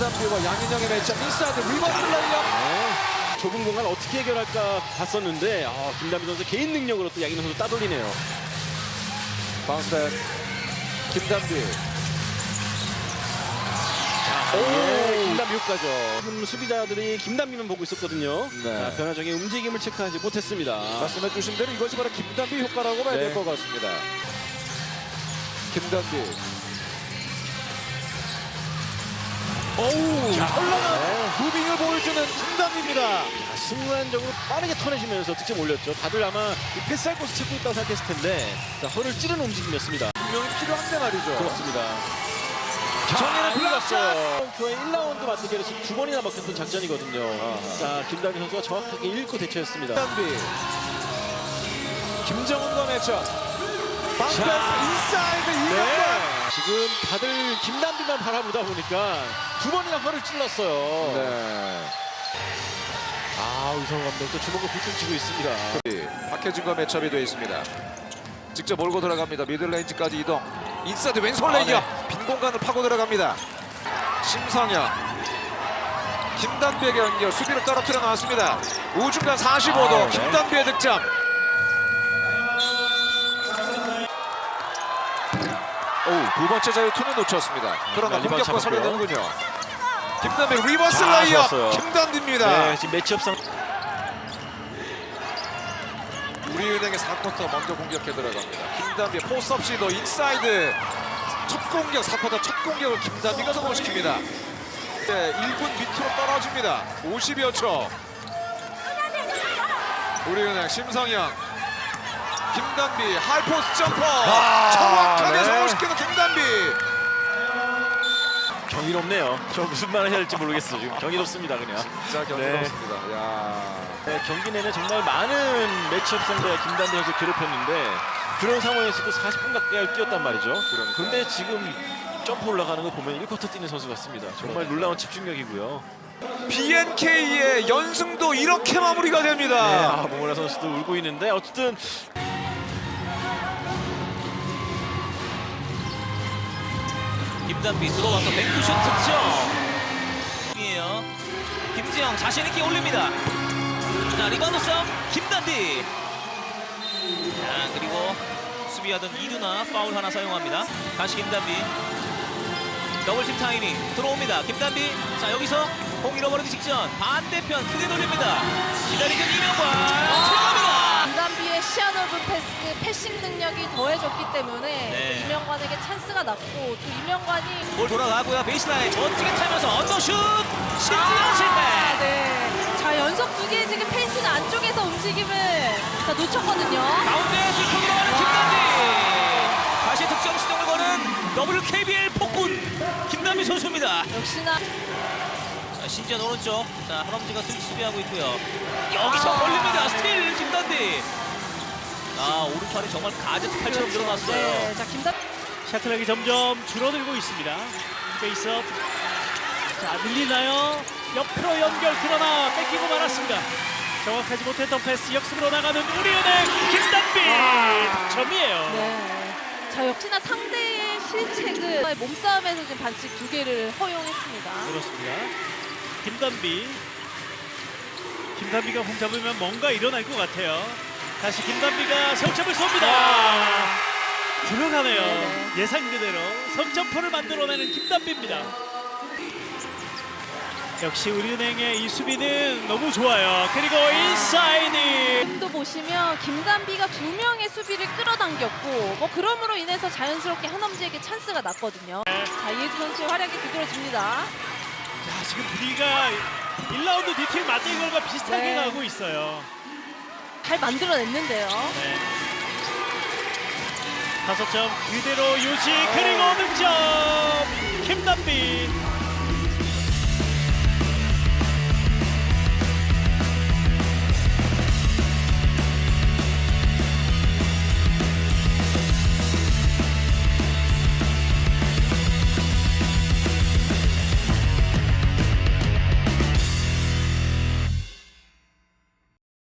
김단비와 양인영의 매치업 인사이드 리버스 레이업. 좁은 공간 어떻게 해결할까 봤었는데 김단비 선수 개인 능력으로 또 양인영 선수 따돌리네요. 바운스백 김단비. 김단비 효과죠. 수비자들이 김단비만 보고 있었거든요. 네. 자, 변화적인 움직임을 체크하지 못했습니다. 말씀해 주신 대로 이것이 바로 김단비 효과라고 봐야 될 네. 것 같습니다. 김단비. 현란한 무빙을 보여주는 김단비입니다. 순간적으로 빠르게 턴해주면서 득점 올렸죠. 다들 아마 이 패스할 곳을 찾고 있다고 생각했을 텐데 허를 찌르는 움직임이었습니다. 분명히 필요한데 말이죠. 그렇습니다. 정예는 불렀어요. 교회 1라운드 맞대결에 지금 2번이나 먹혔던 작전이거든요. 자, 김단비 선수가 정확하게 읽고 대처했습니다. 김단비. 김정은과 매치업. 방패스 자. 인사이드 네. 이명권. 지금 다들 김단비만 바라보다 보니까 2번이나 허를 찔렀어요. 네. 우성 감독도 주먹을 굴뚝 쥐고 있습니다. 박혜진과 매첩이 되어 있습니다. 직접 몰고 들어갑니다. 미들레인지까지 이동. 인사이드 왼손 레이업. 빈 공간을 파고 들어갑니다. 심성현. 김단비에게 연결. 수비를 떨어뜨려 나왔습니다. 우중간 45도. 네. 김단비의 득점. 두 번째 자유투는 놓쳤습니다. 그러나 리바운드 공격과 잡았고요. 살려내는군요. 김단비 리버스 자, 레이업. 좋았어요. 김단비입니다. 네, 지금 매치업상 우리은행의 4쿼터 먼저 공격해 들어갑니다. 김단비 포스업 시도 인사이드 첫 공격 4쿼터 첫 공격을 김단비가 성공시킵니다. 네, 1분 밑으로 떨어집니다. 50여 초. 우리은행 심성현 김단비 하이포스 점퍼 정확하게 네. 성공시키는 김단비. 경이롭네요. 저 무슨 말을 해야 할지 모르겠어요. 지금 경이롭습니다, 그냥. 진짜 경이롭습니다. 야. 네, 경기 내내 정말 많은 매치업 상대 김단비 선수 괴롭혔는데 그런 상황에서도 40분 가까이 뛰었단 말이죠. 그런데 지금 점프 올라가는 거 보면 1쿼터 뛰는 선수 같습니다. 정말 놀라운 집중력이고요. BNK의 연승도 이렇게 마무리가 됩니다. 네, 모모라 선수도 울고 있는데 어쨌든 김단비 들어와서 뱅크슛 득점. 이에요. 김지영 자신 있게 올립니다. 자, 리바운드 싸움 김단비. 자, 그리고 수비하던 이두나 파울 하나 사용합니다. 다시 김단비. 더블팀 타이밍 들어옵니다. 김단비. 자, 여기서 공 잃어버리기 직전 반대편 크게 돌립니다. 기다리던 이명관 들어갑니다. 김단비의 시야 넓은 패싱 능력이 더해졌기 때문에 네. 이명관에게 찬스가 났고 또 이명관이 볼 돌아가고요. 베이스라인 멋지게 타면서 언더슛 신지영 실패. 네. 자, 연속 두 개 지금 페이스는 안쪽에서 움직임을 다 놓쳤거든요. 가운데 뒷공 들어가는 김단비. 다시 득점 시동을 거는 WKBL 폭군 김단비 선수입니다. 역시나 자, 신지현 오른쪽. 자, 하람지가 스위치 수비하고 있고요. 여기서 걸립니다. 스틸 김단비. 오른팔이 정말 가제트 팔처럼 늘어났어요. 네. 자, 김단비 샤클락이 점점 줄어들고 있습니다. 페이스업. 자, 밀리나요? 옆으로 연결 그러나 뺏기고 말았습니다. 정확하지 못했던 패스 역습으로 나가는 우리은행 김단비 점이에요. 네. 자, 역시나 상대의 실책을 몸싸움에서 지금 반칙 두 개를 허용했습니다. 그렇습니다. 김단비가 공 잡으면 뭔가 일어날 것 같아요. 다시 김단비가 석점을 쏩니다. 들어가네요. 네. 예상 그대로 석점포를 만들어내는 김단비입니다. 역시 우리은행의 이 수비는 너무 좋아요. 그리고 인사이드. 지금도 보시면 김단비가 두 명의 수비를 끌어당겼고 뭐 그럼으로 인해서 자연스럽게 한엄지에게 찬스가 났거든요. 자, 이혜주 선수의 활약이 두드러집니다. 자, 지금 분위기가 1라운드 뒤팀 맞대결과 비슷하게 네. 가고 있어요. 잘 만들어냈는데요. 네. 5점 그대로 유지 그리고 득점 김단비.